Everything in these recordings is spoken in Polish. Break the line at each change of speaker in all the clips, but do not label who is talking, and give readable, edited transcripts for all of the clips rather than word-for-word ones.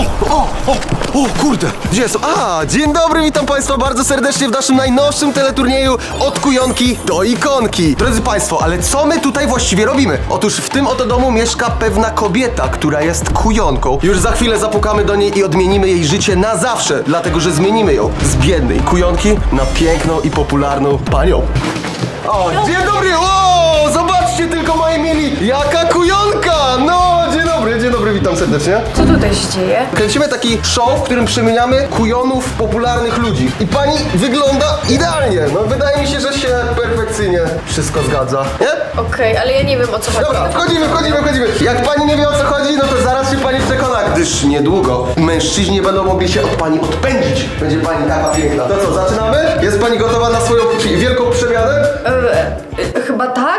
O, kurde, gdzie są? Dzień dobry, witam Państwa bardzo serdecznie w naszym najnowszym teleturnieju od kujonki do ikonki. Drodzy Państwo, ale co my tutaj właściwie robimy? Otóż w tym oto domu mieszka pewna kobieta, która jest kujonką. Już za chwilę zapukamy do niej i odmienimy jej życie na zawsze, dlatego że zmienimy ją z biednej kujonki na piękną i popularną panią. Dzień dobry! Zobaczcie tylko, moi mili, jaka kujonka! Dzień dobry, witam serdecznie.
Co tutaj się dzieje?
Kręcimy taki show, w którym przemieniamy kujonów w popularnych ludzi. I pani wygląda idealnie. Wydaje mi się, że się perfekcyjnie wszystko zgadza. Nie?
Okej, ale ja nie wiem, o co chodzi.
Dobra, wchodzimy. Jak pani nie wie, o co chodzi, to zaraz się pani przekona, gdyż niedługo mężczyźni będą mogli się od pani odpędzić. Będzie pani taka piękna. To co, zaczynamy? Jest pani gotowa na swoją wielką przemianę?
Chyba tak?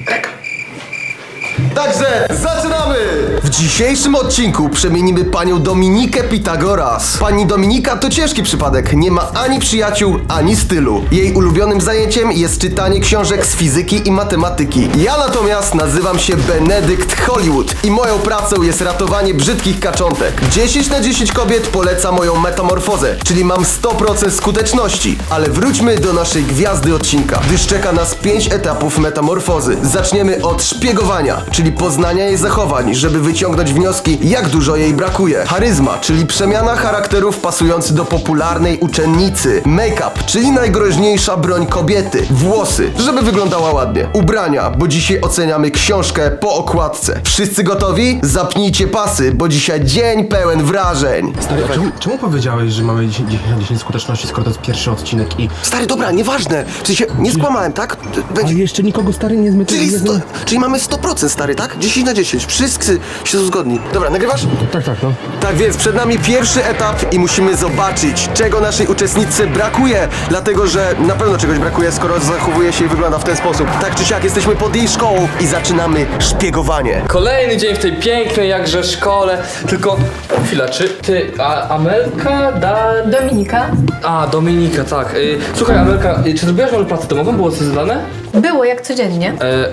Także zaczynamy! W dzisiejszym odcinku przemienimy panią Dominikę Pitagoras. Pani Dominika to ciężki przypadek. Nie ma ani przyjaciół, ani stylu. Jej ulubionym zajęciem jest czytanie książek z fizyki i matematyki. Ja natomiast nazywam się Benedykt Hollywood i moją pracą jest ratowanie brzydkich kaczątek. 10 na 10 kobiet poleca moją metamorfozę, czyli mam 100% skuteczności. Ale wróćmy do naszej gwiazdy odcinka, gdyż czeka nas 5 etapów metamorfozy. Zaczniemy od szpiegowania, czyli poznania jej zachowań, żeby wyciągnąć wnioski, jak dużo jej brakuje. Charyzma, czyli przemiana charakterów pasujący do popularnej uczennicy. Make-up, czyli najgroźniejsza broń kobiety. Włosy, żeby wyglądała ładnie. Ubrania, bo dzisiaj oceniamy książkę po okładce. Wszyscy gotowi? Zapnijcie pasy, bo dzisiaj dzień pełen wrażeń.
Stary, czemu powiedziałeś, że mamy 10 na 10 skuteczności, skoro to jest pierwszy odcinek i...
Stary, dobra, nieważne. W sensie, nie skłamałem, tak?
Ale jeszcze nikogo, stary, nie zmyty...
Czyli mamy 100%, stary, tak? 10 na 10. Wszyscy się są zgodni. Dobra, nagrywasz?
Tak, no.
Tak więc przed nami pierwszy etap i musimy zobaczyć, czego naszej uczestniczce brakuje. Dlatego, że na pewno czegoś brakuje, skoro zachowuje się i wygląda w ten sposób. Tak czy siak, jesteśmy pod jej szkołą i zaczynamy szpiegowanie.
Kolejny dzień w tej pięknej jakże szkole. Tylko, chwila, czy ty, Amelka,
Dominika?
Dominika, tak. Słuchaj, Amelka, czy zrobiłaś może pracę domową? Było coś zadane?
Było, jak codziennie.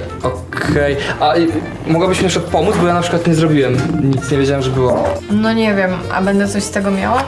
Okej. Mogłabyś mi jeszcze pomóc, bo ja na przykład nie zrobiłem. Nic nie wiedziałem, że było.
No nie wiem, a będę coś z tego miała?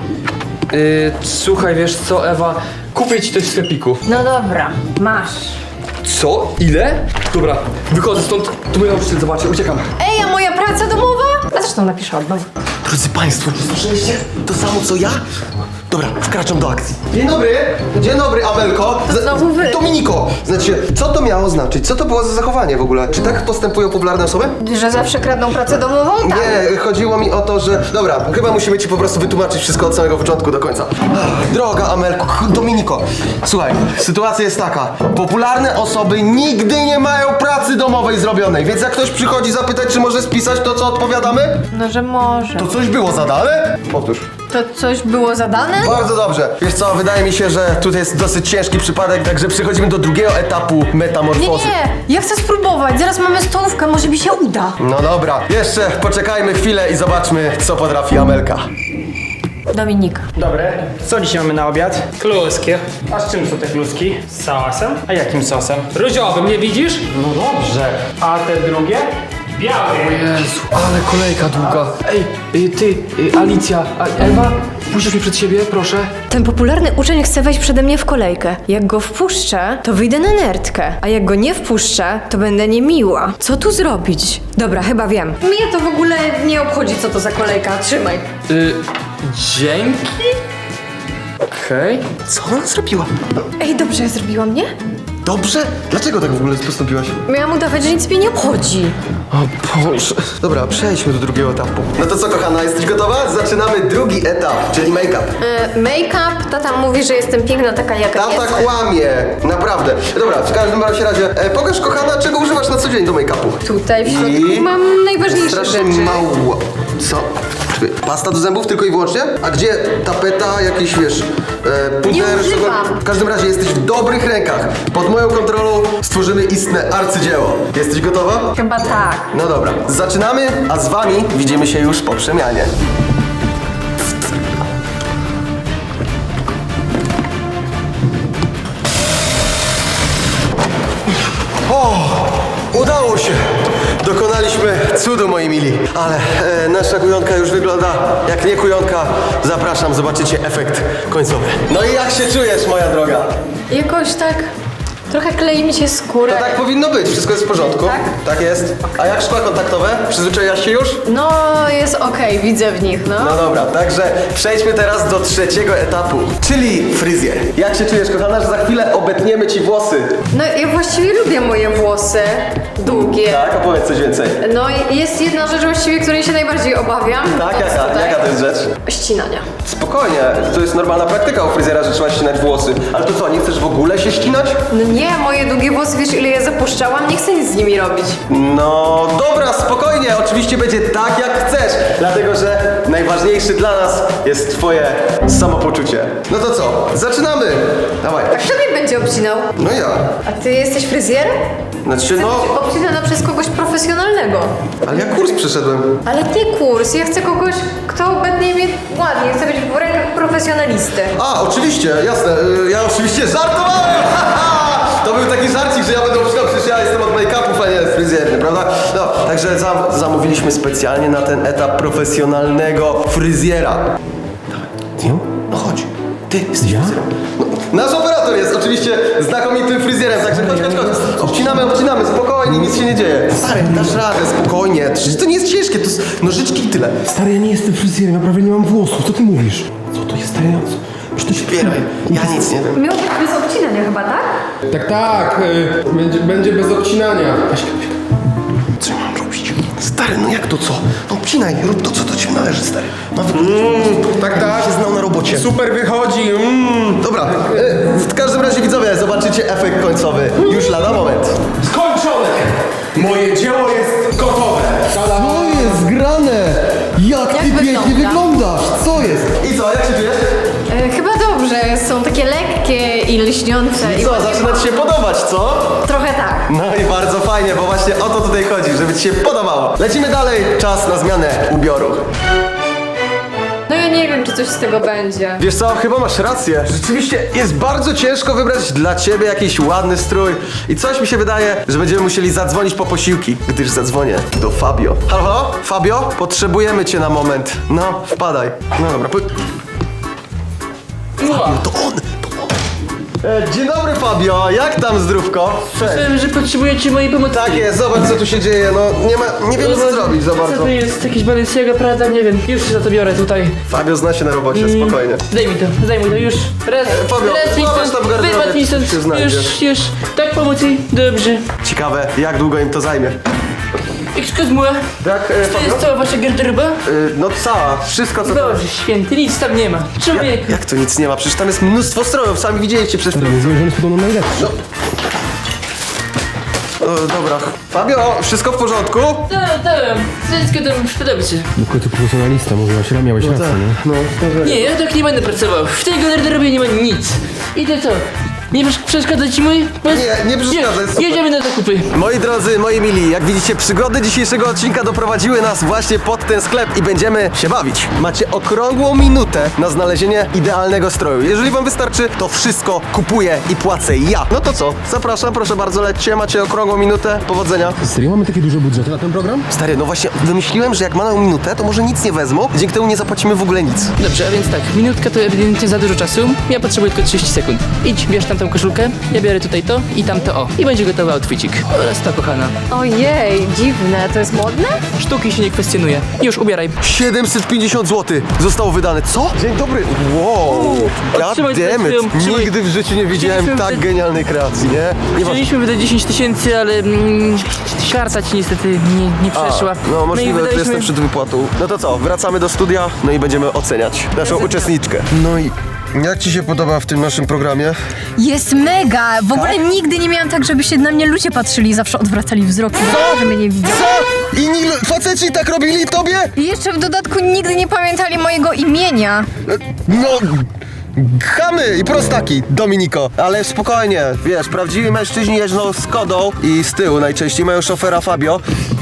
Słuchaj, wiesz co, Ewa? Kupię ci coś w sklepiku.
No dobra, masz.
Co? Ile? Dobra, wychodzę stąd, tu mój nauczyciel zobaczy, uciekam.
Ej, a moja praca domowa? A zresztą napiszę od nowa.
Drodzy Państwo, słyszeliście to samo co ja? Dobra, wkraczam do akcji. Dzień dobry, Amelko.
To znowu wy.
Dominiko, znaczy, co to miało znaczyć? Co to było za zachowanie w ogóle? Czy tak postępują popularne osoby?
Że zawsze kradną pracę domową? Tak.
Nie, chodziło mi o to, że... Dobra, chyba musimy ci po prostu wytłumaczyć wszystko od samego początku do końca. Droga Amelko, Dominiko, słuchaj, sytuacja jest taka. Popularne osoby nigdy nie mają pracy domowej zrobionej, więc jak ktoś przychodzi zapytać, czy może spisać to, co odpowiadamy,
No, że może.
to coś było zadane? Powtórz.
To coś było zadane?
Bardzo dobrze. Wiesz co, wydaje mi się, że tutaj jest dosyć ciężki przypadek, także przechodzimy do drugiego etapu metamorfozy.
Nie, ja chcę spróbować. Zaraz mamy stołówkę, może mi się uda.
No dobra, jeszcze poczekajmy chwilę i zobaczmy, co potrafi Amelka.
Dominika.
Dobre. Co dzisiaj mamy na obiad?
Kluski.
A z czym są te kluski?
Z sosem.
A jakim sosem?
Różowym, nie widzisz?
No dobrze. A te drugie?
Biały.
Jezu, ale kolejka długa. Ej, ty, Alicja, Ewa, puścisz mnie przed siebie, proszę?
Ten popularny uczeń chce wejść przede mnie w kolejkę. Jak go wpuszczę, to wyjdę na nerdkę. A jak go nie wpuszczę, to będę niemiła. Co tu zrobić? Dobra, chyba wiem. Mnie to w ogóle nie obchodzi, co to za kolejka. Trzymaj.
Dzięki? Okej.
Co ona zrobiła?
Ej, dobrze ja zrobiłam, nie?
Dobrze? Dlaczego tak w ogóle postąpiłaś?
Miałam udawać, że nic mnie nie obchodzi.
O Boże.
Dobra, przejdźmy do drugiego etapu. No to co, kochana, jesteś gotowa? Zaczynamy drugi etap, czyli make-up.
Make-up, tata mówi, że jestem piękna taka jaka
Tata
jestem.
kłamie, naprawdę. Dobra, w każdym razie, pokaż, kochana, czego używasz na co dzień do make-upu.
Tutaj w środku mam najważniejsze
strasznie
rzeczy.
mało. Co? Pasta do zębów tylko i wyłącznie? A gdzie tapeta, jakiś, wiesz, puder?
Nie używam.
W każdym razie jesteś w dobrych rękach. Pod moją kontrolą stworzymy istne arcydzieło. Jesteś gotowa?
Chyba tak.
No dobra, zaczynamy, a z wami widzimy się już po przemianie. Udało się! Dokonaliśmy cudu, moi mili. Ale nasza kujonka już wygląda jak nie kujonka. Zapraszam, zobaczycie efekt końcowy. No i jak się czujesz, moja droga?
Jakoś tak... Trochę klei mi się skórę.
To tak powinno być, wszystko jest w porządku.
Tak?
Tak jest. A jak szkła kontaktowe? Przyzwyczaiłaś się już?
No, jest okej, widzę w nich, no.
No dobra, także przejdźmy teraz do trzeciego etapu, czyli fryzjer. Jak się czujesz, kochana, że za chwilę obetniemy ci włosy?
No, ja właściwie lubię moje włosy długie.
Tak, opowiedz coś więcej.
No, jest jedna rzecz właściwie, której się najbardziej obawiam.
Tak,
To jest tutaj
jaka to jest rzecz?
ścinania.
Spokojnie, to jest normalna praktyka u fryzjera, że trzeba ścinać włosy. Ale to co, nie chcesz w ogóle się ścinać?
No nie, moje długie włosy, wiesz ile je zapuszczałam? Nie chcę nic z nimi robić.
No dobra, spokojnie, oczywiście będzie tak jak chcesz, dlatego że najważniejszy dla nas jest twoje samopoczucie. No to co, zaczynamy! Dawaj.
Kto mnie będzie obcinał?
No ja.
A ty jesteś fryzjerem?
Znaczy no,
Obcinana przez kogoś profesjonalnego.
ale ja kurs przeszedłem.
Ale nie kurs, ja chcę kogoś, kto obetnie mnie ładnie. Chcę być w rękach profesjonalisty.
A, oczywiście, jasne, ja oczywiście żartowałem! To był taki żarcik, że ja będę obcinał, przecież ja jestem od make-upów, a nie fryzjerny, prawda? No, także zamówiliśmy specjalnie na ten etap profesjonalnego fryzjera. Dawaj. No chodź, ty jesteś fryzjerem. No, nasz operator jest oczywiście znakomitym fryzjerem, także chodź. Obcinamy, spokojnie, nic się nie dzieje. Stary, dasz radę, spokojnie, przecież to nie jest ciężkie, to jest nożyczki i tyle.
Stary, ja nie jestem fryzjerem, ja prawie nie mam włosów. Co ty mówisz? Co to jest, stary? Co to się
Zbieraj, ja nic nie wiem.
Miał być bez obcinania chyba, tak?
Tak, będzie bez obcinania.
Co ja mam robić? Stary, no jak to co? No obcinaj, rób to, co do ciebie należy, stary. Ma wyglądać.
Tak,
się znał na robocie.
Super wychodzi.
Dobra, w każdym razie widzowie, zobaczycie efekt końcowy już lada moment.
Skończone! Moje dzieło jest gotowe. Tada!
Co jest grane? Jak ty
wygląda?
pięknie wyglądasz? Co jest? I co, jak się czujesz?
Chyba dobrze, są takie lekkie i lśniące.
I co, zaczyna ci się podobać, co?
Trochę tak.
No i bardzo fajnie, bo właśnie o to tutaj chodzi, żeby ci się podobało. Lecimy dalej, czas na zmianę ubioru.
No ja nie wiem, czy coś z tego będzie.
Wiesz co, chyba masz rację. Rzeczywiście jest bardzo ciężko wybrać dla ciebie jakiś ładny strój. I coś mi się wydaje, że będziemy musieli zadzwonić po posiłki, gdyż zadzwonię do Fabio. Halo, halo? Fabio? Potrzebujemy cię na moment. No, wpadaj. No dobra, Fabio, to on! Dzień dobry, Fabio, jak tam zdrówko? Cześć.
Słyszałem, że potrzebujecie mojej pomocy.
Tak jest, zobacz co tu się dzieje, no nie wiemy co zrobić za
Co
bardzo.
to jest? Jakieś Balenciaga, Prada? Nie wiem. Już się za to biorę tutaj.
Fabio zna się na robocie, spokojnie.
Zdejmij to, już. Raz,
Fabio,
raz mi
zobacz tam w garderobie,
wypadł mi stąd.
czy się znajdzie.
Już. Tak pomocy? Dobrze.
Ciekawe, jak długo im to zajmie.
Excuse me.
Tak,
To jest
Fabio?
cała wasza garderoba?
No cała, wszystko co tam...
Boże święty, nic tam nie ma. Człowiek.
Jak to nic nie ma? Przecież tam jest mnóstwo strojów, sami widzieliście przez...
Rozumiem, że są najlepsze.
Dobra. Fabio, wszystko w porządku?
Tak. Wszystko tam dobrze.
W końcu profesjonalista, mówiłaś, miałeś rację, nie?
Nie, ja tak nie będę pracował. W tej garderobie nie ma nic. I to co? Nie przeszkadza ci mój?
Nie przeszkadza, jest super.
Jedziemy na zakupy.
Moi drodzy, moi mili, jak widzicie, przygody dzisiejszego odcinka doprowadziły nas właśnie pod ten sklep i będziemy się bawić. Macie okrągłą minutę na znalezienie idealnego stroju. Jeżeli wam wystarczy, to wszystko kupuję i płacę ja. No to co? Zapraszam, proszę bardzo, lećcie, macie okrągłą minutę. Powodzenia.
Serio, mamy takie duże budżety na ten program?
Stary, no właśnie wymyśliłem, że jak mamy minutę, to może nic nie wezmą, dzięki temu nie zapłacimy w ogóle nic.
Dobrze, a więc tak, minutka to ewidentnie za dużo czasu. Ja potrzebuję tylko 30 sekund. Idź, bierz tamtą koszulkę, ja biorę tutaj to i tamto o. I będzie gotowy outficik. Oraz to, kochana.
Ojej, dziwne, to jest modne?
Sztuki się nie kwestionuje. Już, ubieraj.
750 zł zostało wydane. Co? Dzień dobry. Wow. God
trzymaj
damn it.
swoją- trzymaj.
Nigdy w życiu nie widziałem
Chcieliśmy
tak
wydać-
genialnej kreacji, nie? Nie
Chcieliśmy wydać 10 tysięcy, ale karta ci niestety nie przeszła.
No możliwe, że
wydaliśmy-
jestem przed wypłatą. No to co, wracamy do studia, no i będziemy oceniać naszą uczestniczkę. No i jak ci się podoba w tym naszym programie?
Jest mega! W ogóle nigdy nie miałam tak, żeby się na mnie ludzie patrzyli i zawsze odwracali wzrok, że mnie nie widzą.
Co? Inni faceci tak robili tobie?
I jeszcze w dodatku nigdy nie pamiętali mojego imienia.
No... Chamy i prostaki, Dominiko. Ale spokojnie, wiesz, prawdziwi mężczyźni jeżdżą z Kodą i z tyłu najczęściej mają szofera Fabio.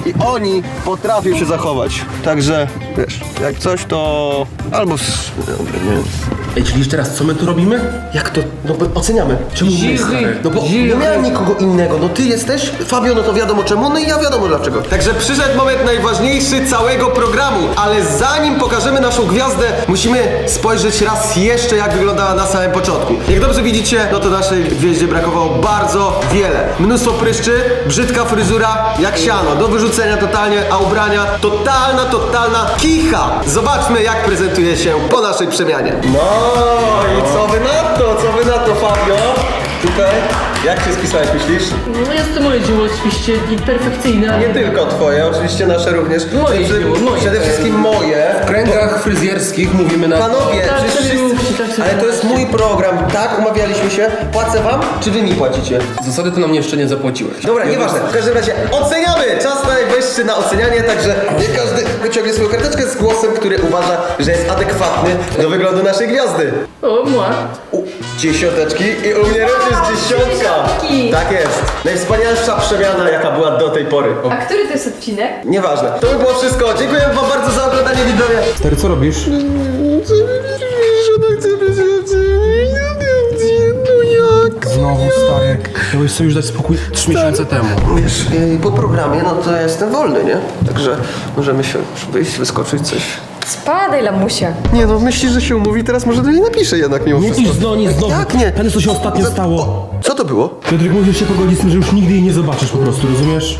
i oni potrafią się zachować. Także, wiesz, jak coś to... albo... Dobra, nie wiem.
Ej, czyli teraz co my tu robimy?
Jak to? No bo oceniamy.
Czemu my, stary?
No bo nie miałem nikogo innego. No ty jesteś, Fabio, no to wiadomo czemu, no i ja wiadomo dlaczego. Także przyszedł moment najważniejszy całego programu, ale zanim pokażemy naszą gwiazdę, musimy spojrzeć raz jeszcze, jak wyglądała na samym początku. Jak dobrze widzicie, no to naszej gwieździe brakowało bardzo wiele. Mnóstwo pryszczy, brzydka fryzura, jak siano, do wyrzucenia totalnie, a ubrania totalna kicha. Zobaczmy, jak prezentuje się po naszej przemianie. No i co wy na to, Fabio? Tutaj, jak się spisałeś, myślisz?
No jest to moje dzieło oczywiście perfekcyjne.
Nie tylko twoje, oczywiście nasze również.
Moje dzieło, moje.
Przede wszystkim moje.
W kręgach fryzjerskich mówimy na...
Panowie,
Tak
przecież
sobie
wszyscy...
mówcie, tak sobie
Ale to jest mój program, tak? Umawialiśmy się. Płacę wam, czy wy mi płacicie?
Zasady to nam jeszcze nie zapłaciłeś.
Dobra, nieważne. W każdym razie oceniamy! Czas najwyższy na ocenianie, także niech każdy wyciągnie swoją karteczkę z głosem, który uważa, że jest adekwatny do wyglądu naszej gwiazdy.
O, mła.
Dziesiąteczki i u mnie również dziesiątka.
dziesiątki.
Tak jest. Najwspanialsza przemiana, jaka była do tej pory.
A który to jest odcinek?
Nieważne. To by było wszystko. Dziękuję wam bardzo za oglądanie, widzowie.
Stary, co robisz? Znowu, stary. Miałeś sobie już dać spokój 3 miesiące temu.
Wiesz, po programie, no to ja jestem wolny, nie? Także możemy się wyjść, wyskoczyć coś.
Spadaj, lamusie.
Nie no, myślisz, że się umówi, teraz może do niej napiszę jednak mimo wszystko.
znowu.
Jak nie?
Ten, co się ostatnio stało.
O, co to było?
Piotrek, musisz się pogodzić z tym, że już nigdy jej nie zobaczysz po prostu, rozumiesz?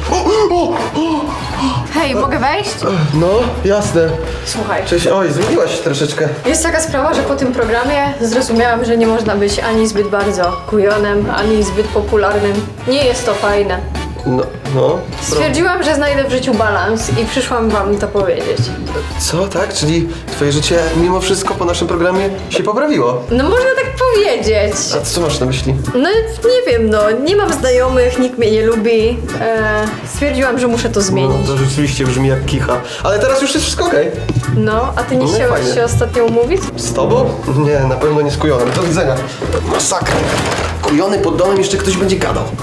Hej, mogę wejść?
No, jasne.
Słuchaj.
Cześć, oj, zmieniłaś się troszeczkę.
Jest taka sprawa, że po tym programie zrozumiałam, że nie można być ani zbyt bardzo kujonem, ani zbyt popularnym. Nie jest to fajne.
No.
Stwierdziłam, że znajdę w życiu balans i przyszłam wam to powiedzieć.
Co, tak? Czyli twoje życie mimo wszystko po naszym programie się poprawiło?
No można tak powiedzieć.
A co masz na myśli?
No nie wiem, no nie mam znajomych, nikt mnie nie lubi. Stwierdziłam, że muszę to zmienić.
To rzeczywiście brzmi jak kicha. Ale teraz już jest wszystko okej.
No, a ty nie
No,
chciałeś
fajnie.
się ostatnio umówić?
Z tobą? Nie, na pewno nie z kujonem. Do widzenia. Masakra. Kujony pod domem jeszcze ktoś będzie gadał.